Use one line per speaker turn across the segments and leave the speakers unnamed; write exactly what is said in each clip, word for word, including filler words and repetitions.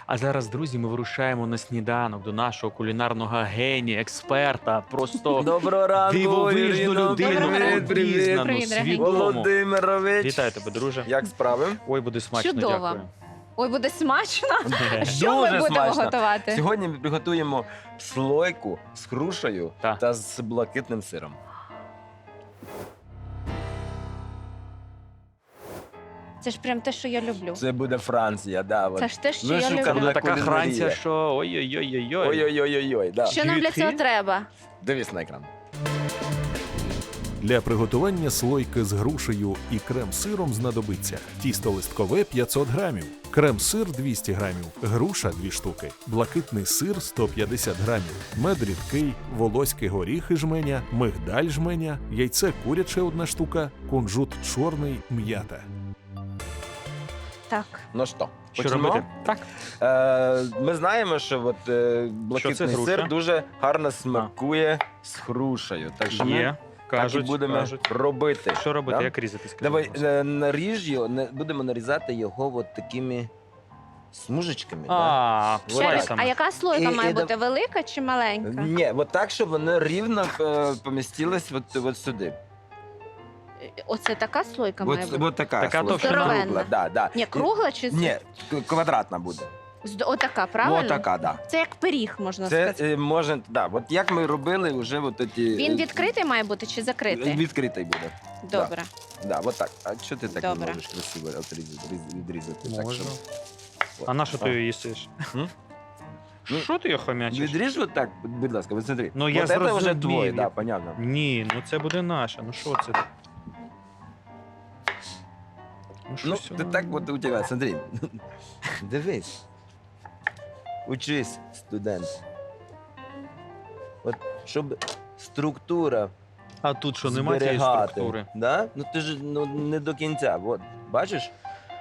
А зараз, друзі, ми вирушаємо на сніданок до нашого кулінарного генія, експерта, просто
Доброго ранку,
дивовижну
Ірино.
людину,
Доброго ранку.
обізнану,
Привіт, дорогенький.
свідому.
Володимирович.
Вітаю тебе, друже.
Як справи?
Ой, буде смачно,
Чудово.
дякую.
Ой, буде смачно. Що
Дуже
ми будемо
смачно.
готувати?
Сьогодні ми приготуємо слойку з грушею
Та.
та з блакитним сиром.
Це ж прям те, що я люблю.
Це буде Франція, да. от.
Це ж те, що
Вишукана
я
Це
люблю.
буде така
кулінарія.
хранця, що ой-ой-ой-ой-ой.
Ой-ой-ой-ой, да.
Що нам для
Звідки?
цього треба?
Дивись на екран.
Для приготування слойки з грушею і крем-сиром знадобиться тісто листкове п'ятсот грамів, крем-сир двісті грамів, груша дві штуки, блакитний сир сто п'ятдесят грамів, мед рідкий, волоські горіхи жменя, мигдаль жменя, яйце куряче одна штука, кунжут чорний, м'ята.
Так.
Ну що,
Що
почнемо?
робити? Так.
Е, ми знаємо, що от, е, блакитний
груша?
сир дуже гарно смакує з грушею. Так що ми
Є,
так
кажуть,
і будемо
кажуть.
робити.
Що робити,
Да?
як різати? скажи,
Давай
будь ласка.
е, наріж його, не- будемо нарізати його от такими смужечками. да?
А,
Ще
Ще раз,
слайсами.
а яка слойка
І-
має
і да-
бути? Велика чи маленька?
Ні, от так, щоб воно рівно е, помістилось от, от сюди.
Оце така слойка має
От,
бути?
от така,
Така
слойка.
товщина?
Здоровенна.
Кругла, да, да.
Ні, кругла чи з-
Ні, к- квадратна буде.
з- Отака, правильно?
От така, да.
Це як пиріг, можна
Це
сказати.
е, може, да, от як ми робили вже от ці...
Він відкритий має бути чи закритий?
Відкритий буде.
Добре.
Да, от так. А що ти так не
Добре.
можеш красиво отріз- різ- відрізати? Так,
Можна.
щоб-
А на що ти
А.
її їсиш?
М? Ну,
Що ти її хомячиш?
Відріж от так, будь ласка, от смотри.
Ну, я
от це вже
зрозумів.
твоє, да, понятно.
Ні, ну це буде наше. Ну що це? Ну,
Ну,
щось
ти
воно-
так от у тебе, смотри. Дивись. Учись, студент. От, щоб структура
А тут що, немає цієї
зберігати,
структури?
Да? Ну ти ж ну, не до кінця. От, бачиш?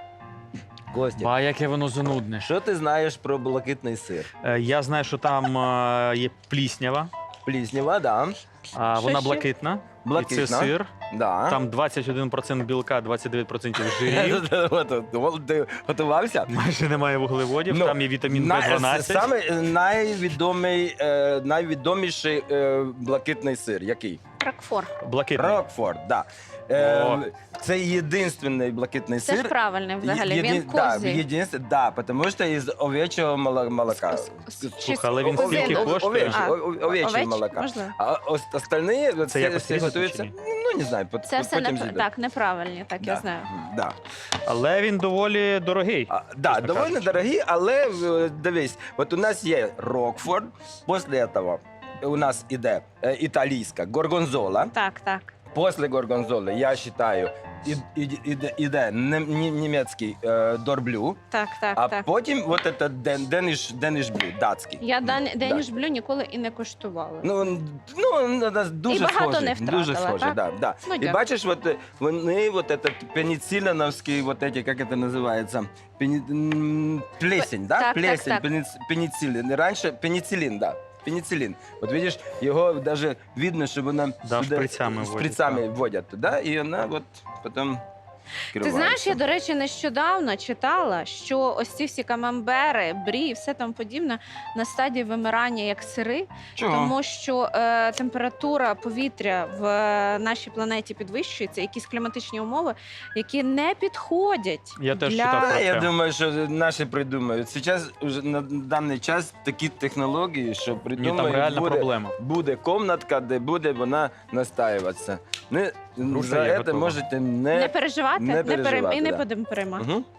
Костя,
Ба, яке воно занудне.
що ти знаєш про блакитний сир?
Е, Я знаю, що там е, є пліснява,
Пліснява, да.
а
Що
вона
ще?
блакитна.
Блакитна.
І це сир.
Да.
Там двадцять один відсоток білка, двадцять дев'ять відсотків жирів.
От, от, от, ти готувався?
Майже немає вуглеводів,
Ну,
там є вітамін
На-
Б дванадцять.
Саме е, найвідомий, е, найвідоміший е, блакитний сир. Який?
Рокфор.
Блакитний.
Рокфорд, да. Е,
О.
Це єдинственний блакитний
Це ж
сир.
правильно взагалі.
Єдин-
Він
да,
козий.
єдинствен- да, тому що із овечого мало- молока.
С- с-
З-
чи
Слухай, але він
козиного?
скільки коштує?
Овечі-
А,
о- о- овечого
овеч-
молока.
Можливо.
А ос- остальні
Це
всі,
якось
всі
різати
готуються,
чи ні?
ну не знаю, пот-
Це все
потім
не
з'їдуть.
так, неправильно, так я
Да,
знаю.
Да.
Але він доволі дорогий.
А, да,
чесно
доволі
кажучи.
дорогі, але е, дивись, от у нас є Рокфорд, після цього у нас іде е, італійська горгонзола.
Так, так.
Після горгонзоли, я вважаю, і- і- іде, іде нем- ні- німецький е, дорблю,
Так, так,
а
так.
потім от це ден, деніш, деніш блю, датський.
Я дан,
Да.
Деніш блю ніколи і не коштувала.
Ну, ну, ну, да, дуже
І багато
схожі,
не втратила,
дуже схожі,
так?
да, да.
Ну,
І
дякую.
бачиш, от, е, вони, вот этот пеницилиновський, вот эти, як це називається, пені, м, плесень, да?
так,
Плесень,
так, так.
пениц- пенициллин. Раніше пенициллин, да. Пенициллин. От видиш, його даже видно, що вона
Да,
туди
шприцями вводять,
шприцями
так.
вводять туди, і вона от потім
Ти знаєш, я, до речі, нещодавно читала, що ось ці всі камамбери, брі і все там подібне на стадії вимирання як сири,
Чого?
тому що е, температура повітря в е, нашій планеті підвищується, якісь кліматичні умови, які не підходять
Я теж
для...
читав про
Та, я
це.
думаю, що наші придумають. Зараз уже на даний час такі технології, що
Ні,
придумають,
там реальна
буде,
проблема.
буде комнатка, де буде вона настаюватися. Не,
Груша
за
є
це
готова.
можете не...
Не переживати,
не
не, перем...
переживати,
і не
да.
будемо переймати.
Угу.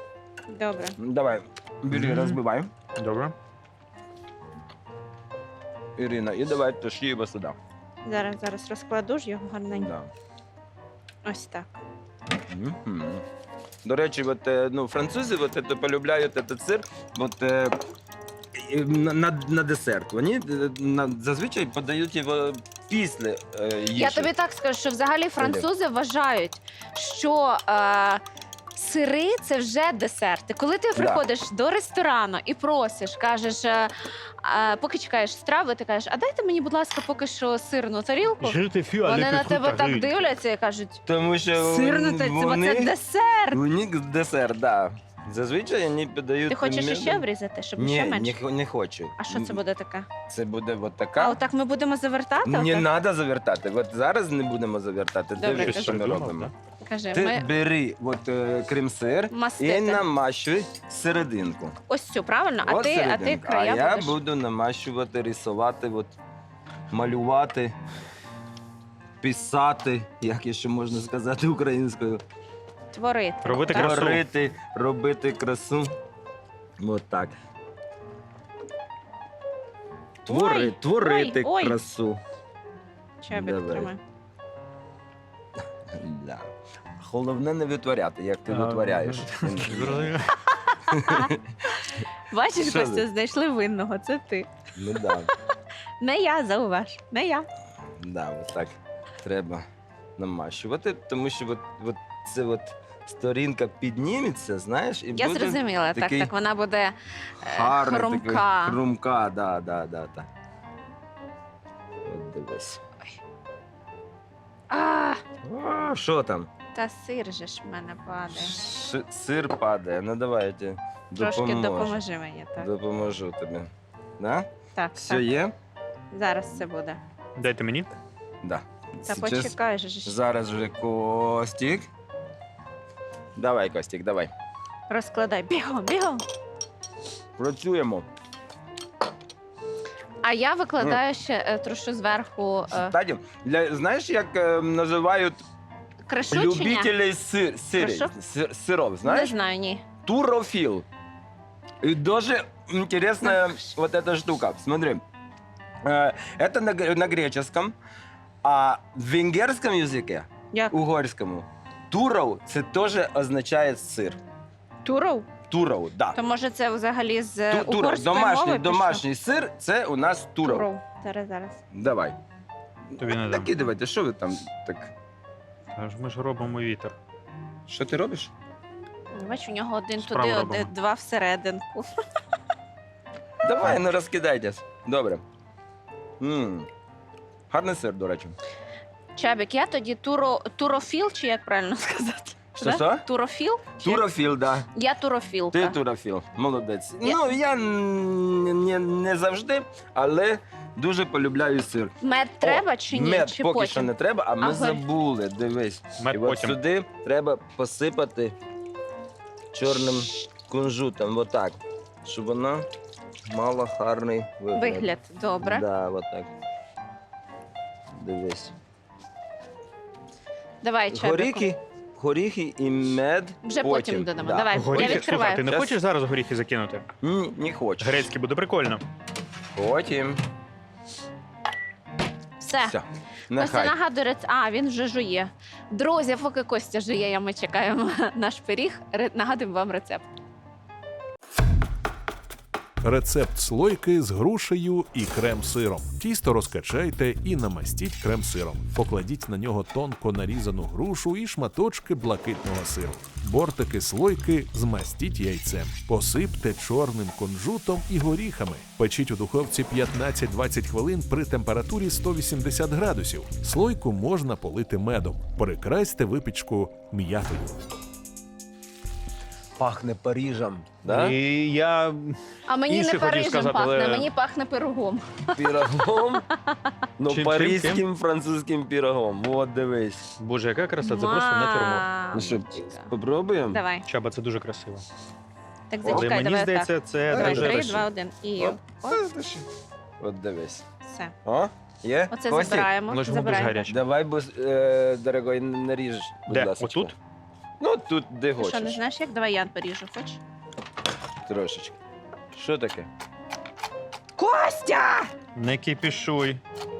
Добре.
Давай, бери,
Мгм.
розбивай,
Добре.
Ірина, і давай тащи його сюди.
Зараз, зараз розкладу ж його гарненько.
Да.
Ось так.
Мгм. До речі, от, е, ну, французи от, це, полюбляють цей сир от, е, і на, на, на десерт. Вони е, на, зазвичай подають його після е, їжі.
Я тобі так скажу, що взагалі французи вважають, що е, сири це вже десерти. Коли ти приходиш до ресторану і просиш, кажеш, е, е, поки чекаєш страви, ти кажеш, а дайте мені, будь ласка, поки що сирну тарілку. Вони на тебе так дивляться і кажуть,
Тому що
сирну тарілку,
вони,
це десерт.
у них десерт, да. Зазвичай вони подають...
Ти хочеш
медом.
ще обрізати, щоб
Ні,
ще
не,
менше?
х- не хочу.
А що це буде таке?
Це буде от
А
така.
отак ми будемо завертати?
Не
отак?
треба завертати. От зараз не будемо завертати.
Добре,
Дивись,
кажи.
що ми
Придумав,
робимо.
Кажи,
Ти
ми
бери от, е, крем-сир і
мастити.
намащуй серединку.
Ось цю, правильно? А
От
ти, а ти
серединка.
края
а я
будеш
буду намащувати, рисувати, от, малювати, писати, як ще можна сказати українською.
творити.
Робити
так?
красу.
Творити, робити красу. От так. Твори,
Ой,
творити
ой, ой.
красу.
Чобік
Давай.
тримай.
Да. Головне не витворяти, як ти
А,
витворяєш.
Зрозуміло.
Бачиш,
Що
Костя,
ви?
знайшли винного, це ти.
Ну да,
Не я, зауваж, не я.
да, от так треба намащувати, тому що от, от це от сторінка підніметься, знаєш, і
Я
буде
зрозуміла, так,
такий
так, вона буде е,
гарний,
хрумка.
такий, хрумка, да, да, да, да. От дивись.
А,
О, що там?
та сир же ж в мене падає.
Ш- сир падає. Ну давай я тобі
Трошки
допоможу.
допоможи мені, так.
Допоможу тобі. Да?
Так,
Все
так.
є?
Зараз це буде.
Дайте мені.
Да.
Та
Сейчас-
почекай же ж.
Зараз вже Костік. Давай, Костік, давай.
Розкладай. Бігом, бігом.
Працюємо.
А я викладаю ще е, трушу зверху е,
Кстати, для, знаєш, як е, називають
кришучення?
любителей сир, сирі,
Прошу?
сир, сиров,
Не
знаєш?
знаю, ні.
Турофил. И даже интересная вот эта штука. Смотри. Э, Это на, г- на греческом, а в венгерском языке,
Як?
угорському, туров це теж означає сир.
Туров?
Туров, да.
То може це взагалі з
Ту- туров,
угорської
домашній,
мови
домашній сир це у нас
пішов?
туров.
Туров. Зараз, зараз.
Давай.
Тобі не дам.
Такі давайте, що ви там так?
Аж ми ж робимо вітер.
Що ти робиш?
Бач, у нього один
Справу
туди,
робимо.
один, два всерединку.
Давай, ну розкидайтесь. Добре. м Гарний сир, до речі.
Чабік, я тоді туро, турофіл, чи як правильно сказати?
Що,
Да?
що?
Турофіл? Чи-
Турофіл, да.
Я турофілка.
Ти турофіл, молодець.
Я-
Ну, я н- не, не завжди, але дуже полюбляю сир.
Мед треба чи ні?
Мед
чи
поки
потім?
що не треба, а ми
Ага.
забули. Дивись.
Мед
І от
потім.
сюди треба посипати чорним кунжутом, отак, щоб воно мало гарний вигляд.
Вигляд, добре.
Да, отак. Дивись.
Давай, Чабіку.
Горіхи, горіхи і мед
Вже потім додамо. Давай. Я
Горіхи,
відкриваю.
слухай, ти не
Щас.
хочеш зараз горіхи закинути?
Ні, не хочу.
Грецький буде прикольно.
Потім.
Все.
Все.
Костя
Нехай.
нагадує, рец- а він вже жує. Друзі, поки Костя жує, ми чекаємо наш пиріг. Ре- Нагадуємо вам рецепт.
Рецепт слойки з грушею і крем-сиром. Тісто розкачайте і намастіть крем-сиром. Покладіть на нього тонко нарізану грушу і шматочки блакитного сиру. Бортики слойки змастіть яйцем. Посипте чорним кунжутом і горіхами. Печіть у духовці п'ятнадцять-двадцять хвилин при температурі сто вісімдесят градусів. Слойку можна полити медом. Прикрасьте випічку м'ятою.
Пахне Парижем. Да?
І я
А мені
Інше
не
хотів
Парижем
сказати,
пахне,
але-
мені пахне пирогом.
Пірогом. Ну,
Чим, чим,
паризьким
чим?
французьким пірогом. От дивись.
Боже, яка краса, це просто натюрморт.
Ну що,
Мамочка.
попробуємо?
Давай.
Чаба, це дуже красиво.
Так
Але
зачекай,
мені
давай
здається,
так.
це
Давай,
дуже
три,
дуже-
два, один. І
Оп.
ось,
От дивись.
все.
О, є?
Оце
Костік,
забираємо.
Але ж воно дуже
забираємо.
гаряче.
Давай, бо, е, дорогой, наріж, будь
Де?
ласка.
Отут?
Ну, тут, де
Ти що, не
хочеш.
знаєш, як? Давай я поріжу, хочеш?
Трошечки. Що таке?
Костя!
Не кипішуй.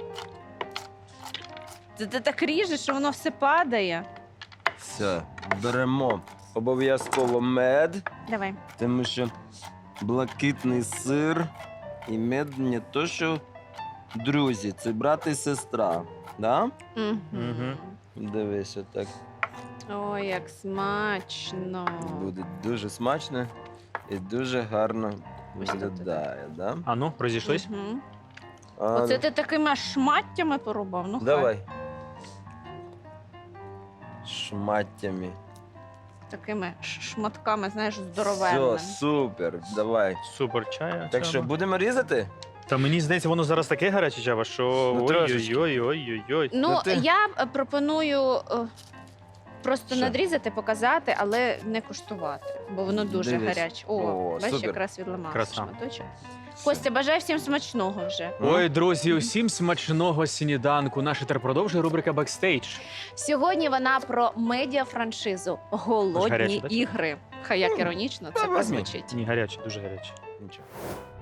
Ти, ти так ріжеш, що воно все падає.
Все, беремо обов'язково мед,
Давай.
тому що блакитний сир і мед не то, що друзі, це брат і сестра. Да?
Мгм.
Мгм.
Дивись, отак.
Ой, як смачно.
Буде дуже смачно і дуже гарно
Ось тут,
виглядає. Да?
А ну, розійшлись?
Мгм.
А,
Оце
ну,
ти такими шматтями порубав. Ну, хай.
Давай. Шматтями.
такими ш- шматками, знаєш, здоровенними.
Все, супер, давай.
Супер чай.
Так що, будемо різати?
Та мені здається, воно зараз таке гаряче, Чаба, що
Ну, трошечки.
ой-ой-ой-ой-ой.
Ну,
Ну, ти-
я е, пропоную е, просто
Що?
надрізати, показати, але не куштувати, бо воно дуже
Дивись.
гаряче. О,
О,
бачиш,
супер.
якраз відламався
Краса.
шматочок. Костя, бажаю всім смачного вже.
Ой, друзі, усім смачного сніданку. Наша тепер продовжує рубрика «Бекстейдж».
Сьогодні вона про медіафраншизу «Голодні
гаряче, так?
ігри». Хай як іронічно це
Та возьми.
прозвучить.
Ні, гаряче, дуже гаряче.
Нічого.